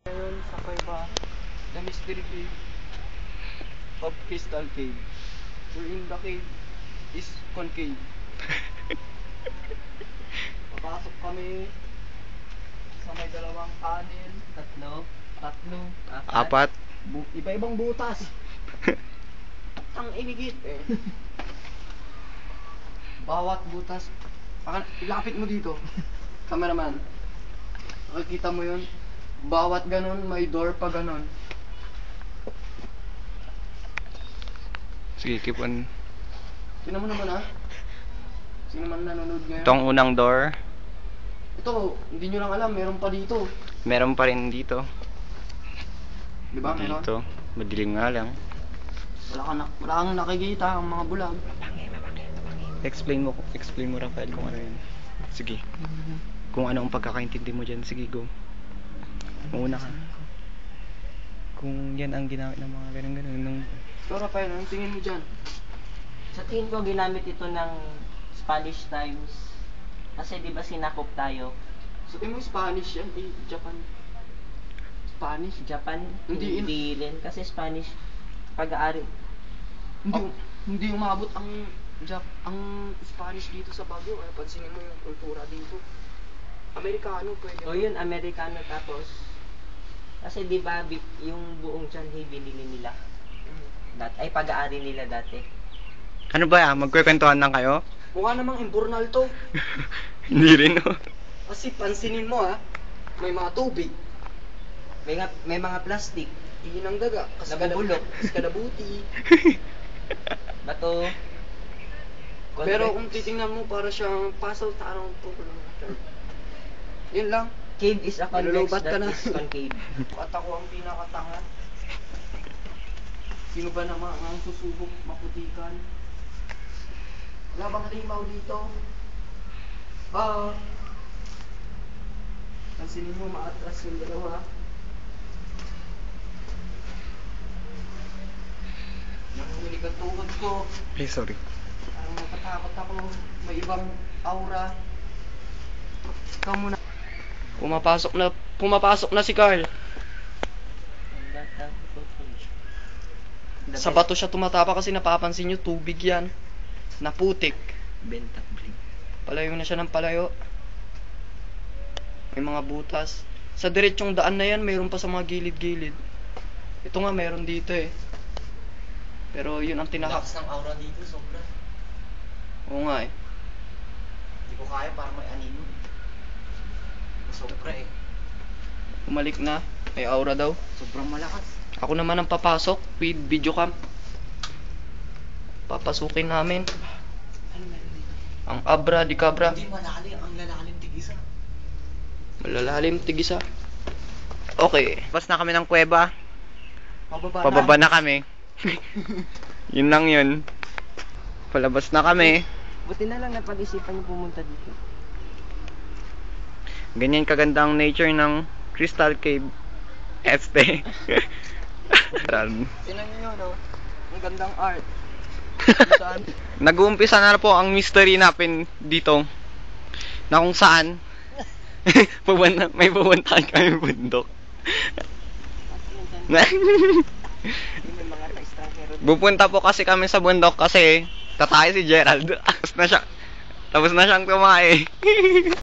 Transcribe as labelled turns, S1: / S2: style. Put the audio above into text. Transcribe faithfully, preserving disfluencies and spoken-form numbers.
S1: Ngayon sa Cueva, the mystery cave of Crystal Cave. Wherein the cave is concave. Papasok kami sa may dalawang tunnel. Tatlo. Tatlo.
S2: Apat.
S1: Bu iba-ibang butas. Ang inigit eh. Bawat butas. Baka ilapit mo dito. Cameraman. Nakikita mo yun? Bawat ganon, may door pa ganon.
S2: Sige, keep on.
S1: Tingnan mo naman ah. Sino man nanonood ngayon?
S2: Itong unang door.
S1: Ito, hindi nyo lang alam, meron pa dito.
S2: Meron pa rin dito.
S1: Di ba meron?
S2: Dito. Madilim nga lang.
S1: Wala kang, na wala kang nakikita ang mga bulag.
S2: Explain mo, explain mo Rafael kung ano yun. Sige. Kung ano ang pagkakaintindi mo dyan. Sige, go. Mauna ka. Kung yan ang ginamit ng mga ganun-ganun. Nung...
S1: So Rafael, anong tingin mo dyan?
S3: Sa tingin ko ginamit ito ng Spanish times. Kasi di ba sinakop tayo?
S1: So tingin mo Spanish yan, eh, Japan. Spanish?
S3: Japan?
S1: Hindi
S3: Hindi,
S1: in-
S3: rin. Kasi Spanish pag-aari.
S1: Hindi,
S3: Oh.
S1: hindi umabot ang Jap ang Spanish dito sa Baguio. Eh, pansinin mo yung kultura dito. Amerikano pwede.
S3: O yun, Amerikano tapos. Kasi di ba bi- yung buong Chanhay binili nila.
S1: Mm.
S3: Dat ay pag-aari nila dati.
S2: Ano ba yan? Magkwekwentuhan lang kayo?
S1: Mukha namang imburnal to.
S2: Hindi rin, no?
S1: Kasi pansinin mo ha, may mga tubig.
S3: May, nga, may mga plastic.
S1: Ihin ang daga.
S3: Nabubulok.
S1: Kaskadabuti.
S3: Bato.
S1: Pero
S3: Convex.
S1: kung titingnan mo, para siyang puzzle tarong po. Yun lang.
S3: Cave is a convex
S1: Malulubat ka
S3: that
S1: na.
S3: is concave.
S1: At ako ang pinakatanga. Sino ba naman ang susubok maputikan? Wala bang limaw dito? Ah. Pansinin mo, maatras yung dalawa. Nangulik ang tuhod ko.
S2: Ay, sorry.
S1: Parang natatakot ako. May ibang aura. Ikaw muna. Pumapasok na, pumapasok na si Carl. Sa bato siya tumatapa kasi napapansin nyo, tubig yan. Naputik.
S3: Benta bling.
S1: Palayo na siya ng palayo. May mga butas. Sa diretsong daan na yan, mayroon pa sa mga gilid-gilid. Ito nga, mayroon dito eh. Pero yun ang tinahak.
S3: Lakas ng aura dito, sobra.
S1: Oo nga eh.
S3: Hindi ko kaya para may anino. Sobra eh.
S1: Umalik na. May aura daw.
S3: Sobrang malakas.
S1: Ako naman ang papasok with video cam. Papasukin namin.
S3: Ano meron dito?
S1: Ang abra di cabra.
S3: Hindi malalim, ang lalalim tigisa.
S1: Malalalim tigisa. Okay.
S2: Labas na kami ng kuweba.
S1: Pababa,
S2: Pababa na kami. Yun lang yun. Palabas na kami.
S3: Buti na lang napag-isipan yung pumunta dito.
S2: Ganyan kaganda ang nature ng Crystal Cave. Este.
S1: Tinan nyo no? Ang gandang art. Saan?
S2: Nag-uumpisa na po ang mystery natin dito. Na kung saan pupunta, may pupuntahan kami bundok.
S3: Yung mga na-stalker.
S2: Pupunta po kasi kami sa bundok kasi tatay si Gerald. Tapos na siya. Tapos na siyang tumae.